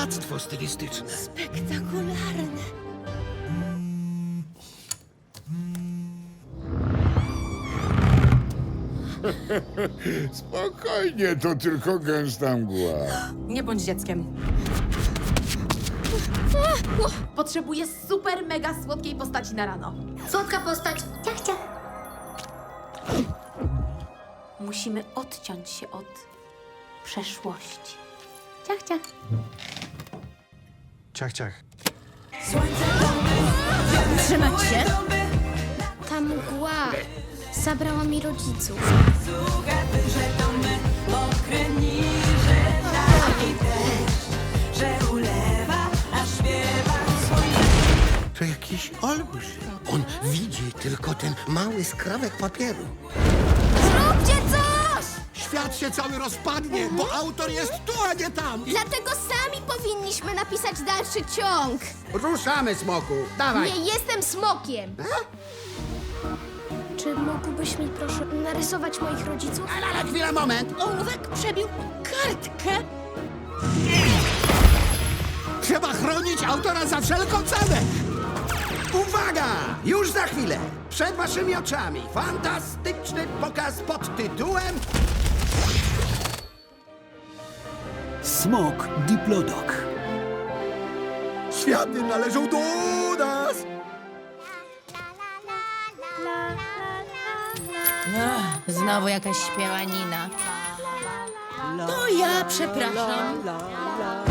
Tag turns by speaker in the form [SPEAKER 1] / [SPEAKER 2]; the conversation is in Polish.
[SPEAKER 1] dziwactwo stylistyczne.
[SPEAKER 2] Spektakularne.
[SPEAKER 3] Spokojnie, to tylko gęsta mgła.
[SPEAKER 2] Nie bądź dzieckiem. Potrzebuję super mega słodkiej postaci na rano.
[SPEAKER 4] Słodka postać. Ciach, ciach.
[SPEAKER 2] Musimy odciąć się od przeszłości.
[SPEAKER 4] Ciach, ciach.
[SPEAKER 1] Ciach, ciach.
[SPEAKER 2] Trzymać się.
[SPEAKER 4] Ta mgła zabrała mi rodziców.
[SPEAKER 1] To jakiś olbrzym. On widzi tylko ten mały skrawek papieru.
[SPEAKER 4] Zróbcie coś!
[SPEAKER 1] Świat się cały rozpadnie, bo autor jest tu, a nie tam.
[SPEAKER 4] Dlatego sami powinniśmy napisać dalszy ciąg.
[SPEAKER 1] Ruszamy, smoku. Dawaj.
[SPEAKER 4] Nie jestem smokiem. Czy mógłbyś mi proszę narysować moich rodziców?
[SPEAKER 1] Ale chwila, moment.
[SPEAKER 2] Ołówek przebił kartkę.
[SPEAKER 1] Trzeba chronić autora za wszelką cenę. Uwaga! Już za chwilę. Przed waszymi oczami fantastyczny pokaz pod tytułem
[SPEAKER 5] Smok Diplodok.
[SPEAKER 1] Światy należą do nas.
[SPEAKER 2] Znowu jakaś śpiewanina. To ja przepraszam.